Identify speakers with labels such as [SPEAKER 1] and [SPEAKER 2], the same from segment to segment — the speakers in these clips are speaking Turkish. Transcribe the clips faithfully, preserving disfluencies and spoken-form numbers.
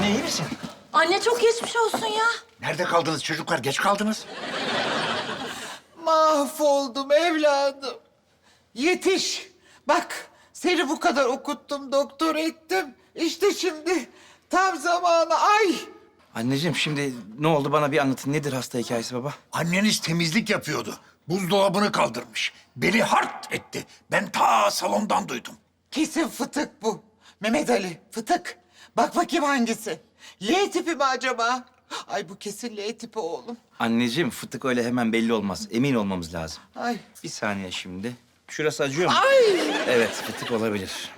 [SPEAKER 1] Anne iyi misin?
[SPEAKER 2] Anne çok geçmiş olsun ya.
[SPEAKER 1] Nerede kaldınız çocuklar? Geç kaldınız.
[SPEAKER 3] Mahvoldum evladım. Yetiş. Bak seni bu kadar okuttum, doktor ettim. İşte şimdi tam zamanı. Ay!
[SPEAKER 4] Anneciğim şimdi ne oldu bana bir anlatın. Nedir hasta hikayesi baba?
[SPEAKER 1] Anneniz temizlik yapıyordu. Buzdolabını kaldırmış. Beli hart etti. Ben ta salondan duydum.
[SPEAKER 3] Kesin fıtık bu. Mehmet Ali, fıtık. Bak bakayım hangisi? L tipi mi acaba? Ay bu kesin L tipi oğlum.
[SPEAKER 4] Anneciğim fıtık öyle hemen belli olmaz. Emin olmamız lazım.
[SPEAKER 3] Ay.
[SPEAKER 4] Bir saniye şimdi. Şurası acıyor mu?
[SPEAKER 3] Ay!
[SPEAKER 4] Evet fıtık olabilir.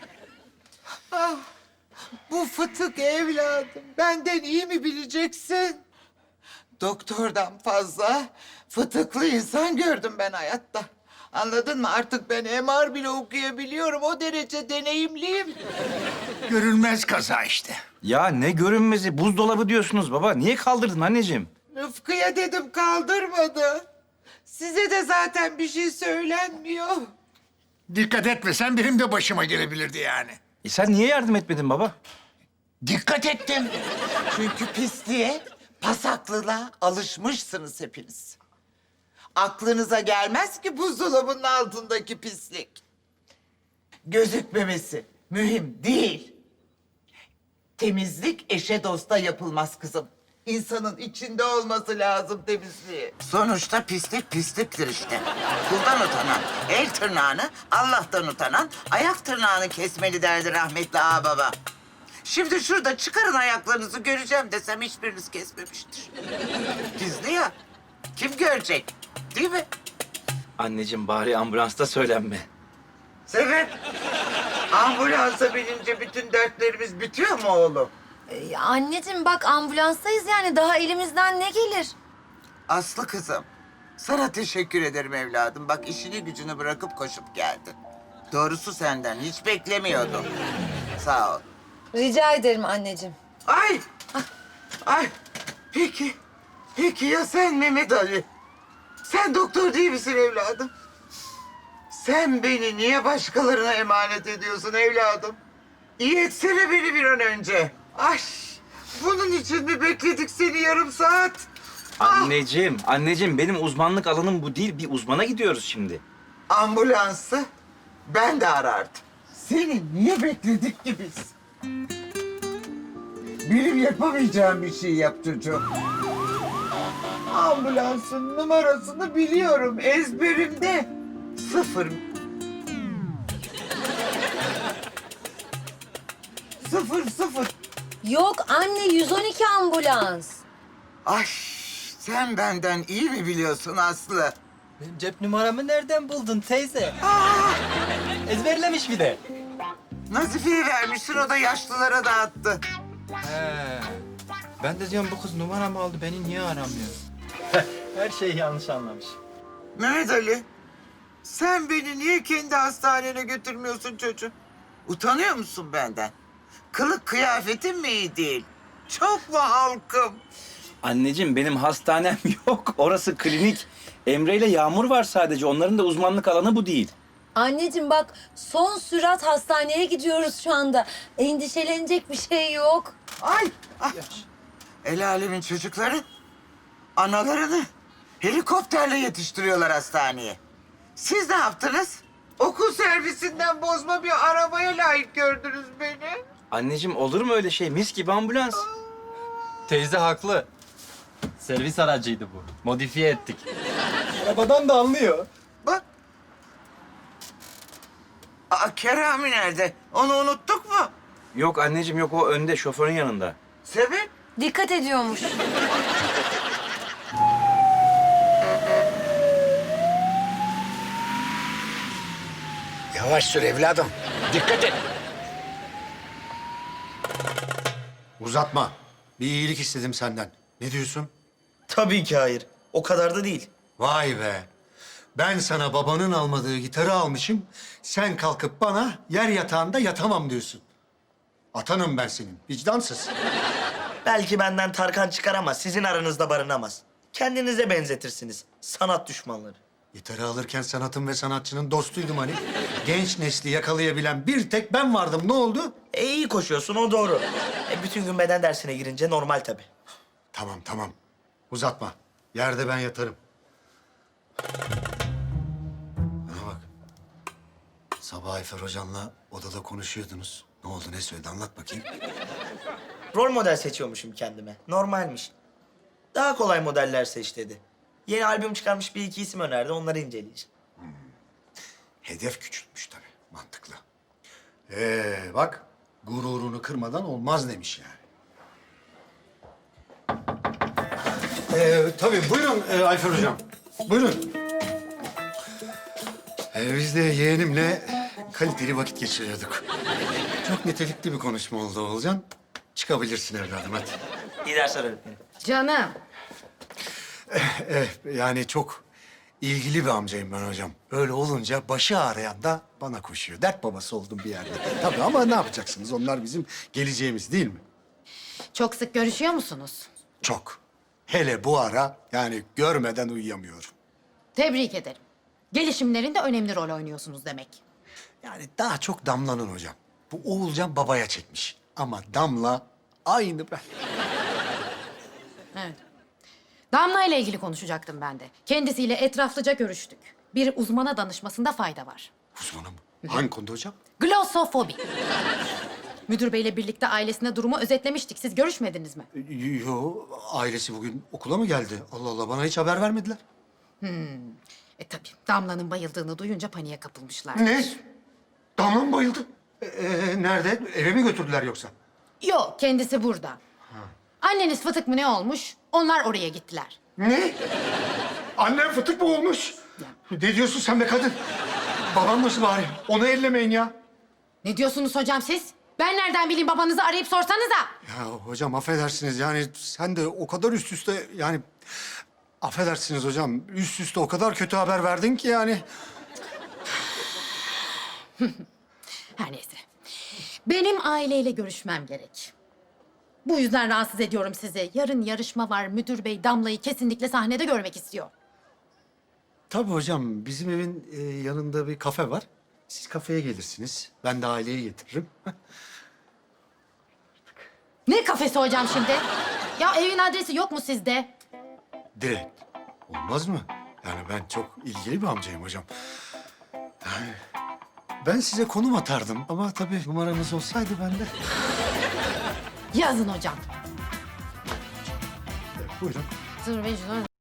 [SPEAKER 3] Ah, bu fıtık evladım. Benden iyi mi bileceksin? Doktordan fazla fıtıklı insan gördüm ben hayatta. Anladın mı? Artık ben M R bile okuyabiliyorum. O derece deneyimliyim.
[SPEAKER 1] Görülmez kaza işte.
[SPEAKER 4] Ya ne görünmezi? Buzdolabı diyorsunuz baba. Niye kaldırdın anneciğim?
[SPEAKER 3] Rıfkı'ya dedim kaldırmadı. Size de zaten bir şey söylenmiyor.
[SPEAKER 1] Dikkat etmesen benim de başıma gelebilirdi yani.
[SPEAKER 4] E sen niye yardım etmedin baba?
[SPEAKER 1] Dikkat ettim.
[SPEAKER 3] Çünkü pisliğe, pasaklılığa alışmışsınız hepiniz. Aklınıza gelmez ki buzdolabının altındaki pislik. Gözükmemesi mühim değil. Temizlik eşe dosta yapılmaz kızım. İnsanın içinde olması lazım temizliği.
[SPEAKER 5] Sonuçta pislik pisliktir işte. Kuldan utanan, el tırnağını, Allah'tan utanan, ayak tırnağını kesmeli derdi rahmetli ağababa. Şimdi şurada çıkarın ayaklarınızı göreceğim desem hiçbiriniz kesmemiştir. Gizli ya. Kim görecek? Değil mi?
[SPEAKER 4] Anneciğim bari ambulansta söylenme.
[SPEAKER 3] Sebep? Ambulansa binince bütün dertlerimiz bitiyor mu oğlum?
[SPEAKER 2] Ee, anneciğim bak ambulanstayız yani daha elimizden ne gelir?
[SPEAKER 5] Aslı kızım, sana teşekkür ederim evladım. Bak işini gücünü bırakıp koşup geldin. Doğrusu senden hiç beklemiyordum. Sağ ol.
[SPEAKER 2] Rica ederim anneciğim.
[SPEAKER 3] Ay! Ay! Peki, peki ya sen Mehmet Ali? Sen doktor değil misin evladım? Sen beni niye başkalarına emanet ediyorsun evladım? İyi etsene beni bir an önce. Ay! Bunun için mi bekledik seni yarım saat?
[SPEAKER 4] Anneciğim, anneciğim benim uzmanlık alanım bu değil. Bir uzmana gidiyoruz şimdi.
[SPEAKER 3] Ambulansı ben de arardım. Seni niye bekledik ki biz? Benim yapamayacağım bir şey yap çocuğum. Ambulansın numarasını biliyorum ezberimde. Sıfır. Sıfır sıfır.
[SPEAKER 2] Yok anne yüz on iki ambulans.
[SPEAKER 5] Ay sen benden iyi mi biliyorsun Aslı?
[SPEAKER 6] Benim cep numaramı nereden buldun teyze? Ezberlemiş bir de.
[SPEAKER 5] Nazife'ye vermişsin o da yaşlılara dağıttı.
[SPEAKER 6] He. Ben de diyorum bu kız numaramı aldı beni niye aramıyor? Her şeyi yanlış anlamış.
[SPEAKER 3] Mehmet Ali, sen beni niye kendi hastanene götürmüyorsun çocuğum?
[SPEAKER 5] Utanıyor musun benden? Kılık kıyafetin mi iyi değil? Çok mu halkım?
[SPEAKER 4] Anneciğim benim hastanem yok. Orası klinik. Emre ile Yağmur var sadece. Onların da uzmanlık alanı bu değil.
[SPEAKER 2] Anneciğim bak son sürat hastaneye gidiyoruz şu anda. Endişelenecek bir şey yok.
[SPEAKER 3] Ay, ah,
[SPEAKER 5] El alemin çocukları analarını helikopterle yetiştiriyorlar hastaneye. Siz ne yaptınız?
[SPEAKER 3] okul servisinden bozma bir arabaya layık gördünüz beni.
[SPEAKER 4] Anneciğim olur mu öyle şey? Mis gibi ambulans.
[SPEAKER 6] Teyze haklı. Servis aracıydı bu. Modifiye ettik. Arabadan da anlıyor.
[SPEAKER 5] Bak. Aa, Kerami nerede? Onu unuttuk mu?
[SPEAKER 4] Yok anneciğim yok o önde şoförün yanında.
[SPEAKER 5] Sebep?
[SPEAKER 2] Dikkat ediyormuş.
[SPEAKER 1] Yavaş sür evladım. Dikkat et.
[SPEAKER 7] Uzatma. Bir iyilik istedim senden. Ne diyorsun?
[SPEAKER 8] Tabii ki hayır. O kadar da değil.
[SPEAKER 7] Vay be. Ben sana babanın almadığı gitarı almışım. Sen kalkıp bana yer yatağında yatamam diyorsun. Atanım ben senin. Vicdansız.
[SPEAKER 8] Belki benden Tarkan çıkar ama sizin aranızda barınamaz. Kendinize benzetirsiniz. Sanat düşmanları.
[SPEAKER 7] Gitarı alırken sanatın ve sanatçının dostuydum hani. Genç nesli yakalayabilen bir tek ben vardım. Ne oldu?
[SPEAKER 8] E iyi koşuyorsun, o doğru. E bütün gün beden dersine girince normal tabii.
[SPEAKER 7] Tamam tamam. Uzatma. Yerde ben yatarım. Bana bak. Sabah Ayfer Hocam'la odada konuşuyordunuz. Ne oldu, ne söyledi? Anlat bakayım.
[SPEAKER 8] Rol model seçiyormuşum kendime. Normalmiş. Daha kolay modeller seç dedi. Yeni albüm çıkarmış bir iki isim önerdi, onları inceleyeceğim.
[SPEAKER 7] Hedef küçültmüş tabii. Mantıklı. Ee bak, gururunu kırmadan olmaz demiş yani. Ee, tabii buyurun e, Ayfer Hocam. Buyurun. Ee, biz de yeğenimle kaliteli vakit geçiriyorduk. Çok nitelikli bir konuşma oldu Oğulcan. Çıkabilirsin evladım hadi.
[SPEAKER 8] İyi dersler öğretmenim.
[SPEAKER 2] Canım.
[SPEAKER 7] Eh, yani çok ilgili bir amcayım ben hocam. Öyle olunca başı ağrıyan da bana koşuyor. Dert babası oldum bir yerde. Tabii ama ne yapacaksınız? Onlar bizim geleceğimiz değil mi?
[SPEAKER 9] Çok sık görüşüyor musunuz?
[SPEAKER 7] Çok. Hele bu ara yani görmeden uyuyamıyorum.
[SPEAKER 9] Tebrik ederim. Gelişimlerinde önemli rol oynuyorsunuz demek.
[SPEAKER 7] Yani daha çok Damla'nın hocam. Bu Oğulcan babaya çekmiş. Ama Damla aynı ben.
[SPEAKER 9] Evet. Damla ile ilgili konuşacaktım ben de. Kendisiyle etraflıca görüştük. Bir uzmana danışmasında fayda var.
[SPEAKER 7] Uzmanım. Hangi konuda hocam?
[SPEAKER 9] Glossofobi. Müdür beyle birlikte ailesine durumu özetlemiştik. Siz görüşmediniz mi?
[SPEAKER 7] Yo, ailesi bugün okula mı geldi? Allah Allah, bana hiç haber vermediler.
[SPEAKER 9] E tabii Damla'nın bayıldığını duyunca paniğe kapılmışlar.
[SPEAKER 7] Ne? Damla mı bayıldı? Ee, nerede? Eve mi götürdüler yoksa?
[SPEAKER 9] Yok, kendisi burada. Anneniz fıtık mı ne olmuş? Onlar oraya gittiler.
[SPEAKER 7] Ne? Annem fıtık mı olmuş? Ne diyorsun sen be kadın? Babam nasıl bari? Onu ellemeyin ya.
[SPEAKER 9] Ne diyorsunuz hocam siz? Ben nereden bileyim, babanızı arayıp sorsanıza.
[SPEAKER 7] Ya hocam affedersiniz yani sen de o kadar üst üste yani... Affedersiniz hocam, üst üste o kadar kötü haber verdin ki yani.
[SPEAKER 9] Her neyse. Benim aileyle görüşmem gerek. Bu yüzden rahatsız ediyorum sizi. Yarın yarışma var. Müdür bey Damla'yı kesinlikle sahnede görmek istiyor.
[SPEAKER 7] Tabii hocam, bizim evin e, yanında bir kafe var. Siz kafeye gelirsiniz, ben de aileyi getiririm.
[SPEAKER 9] Ne kafesi hocam şimdi? Ya evin adresi yok mu sizde?
[SPEAKER 7] Direkt. Olmaz mı? Yani ben çok ilgili bir amcayım hocam. Yani ben size konum atardım ama tabii numaranız olsaydı ben de...
[SPEAKER 9] Yazın hocam.
[SPEAKER 7] Buyurun.
[SPEAKER 9] Dur,